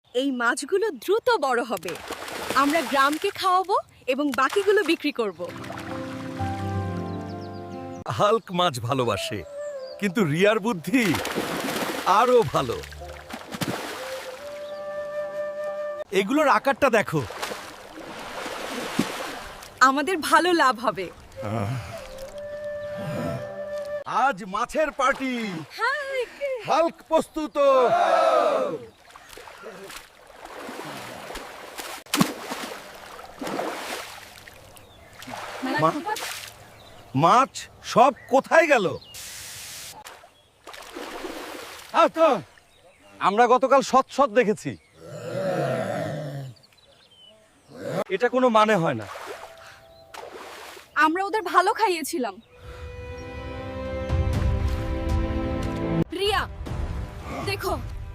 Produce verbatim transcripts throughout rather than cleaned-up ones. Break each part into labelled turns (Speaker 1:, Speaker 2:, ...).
Speaker 1: এই মাছগুলো দ্রুত বড় হবে। আমরা গ্রামকে খাওয়াবো এবং বাকিগুলো বিক্রি করব।
Speaker 2: হাল্ক মাছ ভালোবাসে, কিন্তু রিয়ার বুদ্ধি আরো ভালো। এগুলোর আকারটা দেখো।
Speaker 1: আমাদের ভালো লাভ হবে।
Speaker 2: আজ মাছের পার্টি। হাল্ক প্রস্তুত। মা- মাছ সব কোথায় গেল? আমরা গতকাল সৎ সৎ দেখেছি। এটা কোনো মানে হয় না।
Speaker 1: আমরা ওদের ভালো খাইয়েছিলাম। রিয়া, দেখো।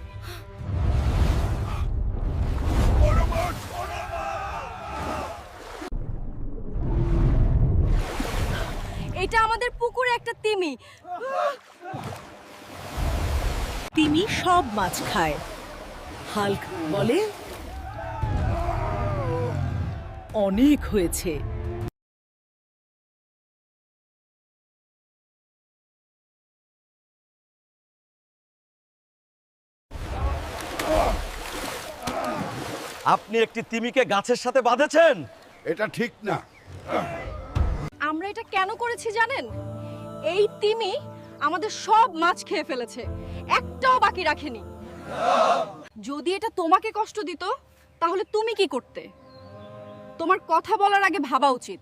Speaker 1: এটা আমাদের পুকুরে একটা তিমি।
Speaker 3: তিমি সব মাছ খায়। হাল্ক বলে, অনেক হয়েছে।
Speaker 2: আপনি একটি তিমিকে গাছের সাথে বাঁধেছেন?
Speaker 4: এটা ঠিক না।
Speaker 1: আমরা এটা কেন করেছি জানেন? এই তিমি আমাদের সব মাছ খেয়ে ফেলেছে, একটাও বাকি রাখেনি। যদি এটা তোমাকে কষ্ট দিত তাহলে তুমি কি করতে? তোমার কথা বলার আগে ভাবা উচিত।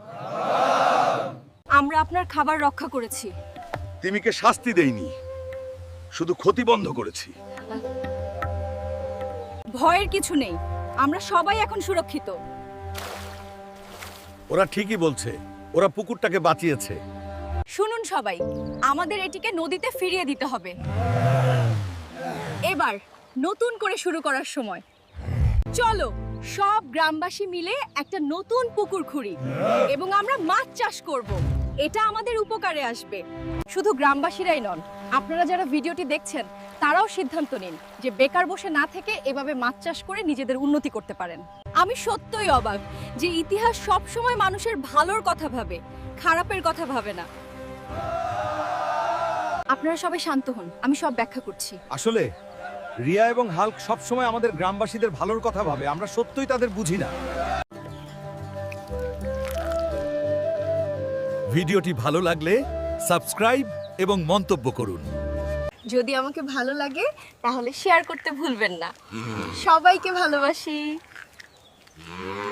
Speaker 1: আমরা আপনার খাবার রক্ষা করেছি।
Speaker 4: তিমিকে শাস্তি দেইনি, শুধু ক্ষতি বন্ধ করেছি।
Speaker 1: ভয়ের কিছু নেই, আমরা সবাই এখন সুরক্ষিত।
Speaker 2: ওরা ঠিকই বলছে, ওরা পুকুরটাকে বাঁচিয়েছে।
Speaker 1: শুনুন সবাই, আমাদের এটিকে নদীতে ফিরিয়ে দিতে হবে। এবার নতুন করে শুরু করার সময়। চলো সব গ্রামবাসী মিলে একটা নতুন পুকুর খুঁড়ি এবং আমরা মাছ চাষ করব। এটা আমাদের উপকারে আসবে। শুধু গ্রামবাসীরাই নন, আপনারা যারা ভিডিওটি দেখছেন তারাও সিদ্ধান্ত নিন যে বেকার বসে না থেকে এভাবে মাছ চাষ করে নিজেদের উন্নতি করতে পারেন। আমি সত্যই অবাক যে ইতিহাস সব সময় মানুষের ভালোর কথা ভাবে, খারাপের কথা ভাবে না। আপনারা সবাই শান্ত হন, আমি সব ব্যাখ্যা করছি।
Speaker 2: আসলে রিয়া এবং হাল্ক সবসময় আমাদের গ্রামবাসীদের ভালোর কথা ভাবে, আমরা সত্যই তাদের বুঝি না। ভিডিওটি ভালো লাগলে সাবস্ক্রাইব এবং মন্তব্য করুন।
Speaker 1: যদি আমাকে ভালো লাগে তাহলে শেয়ার করতে ভুলবেন না। সবাইকে ভালোবাসি।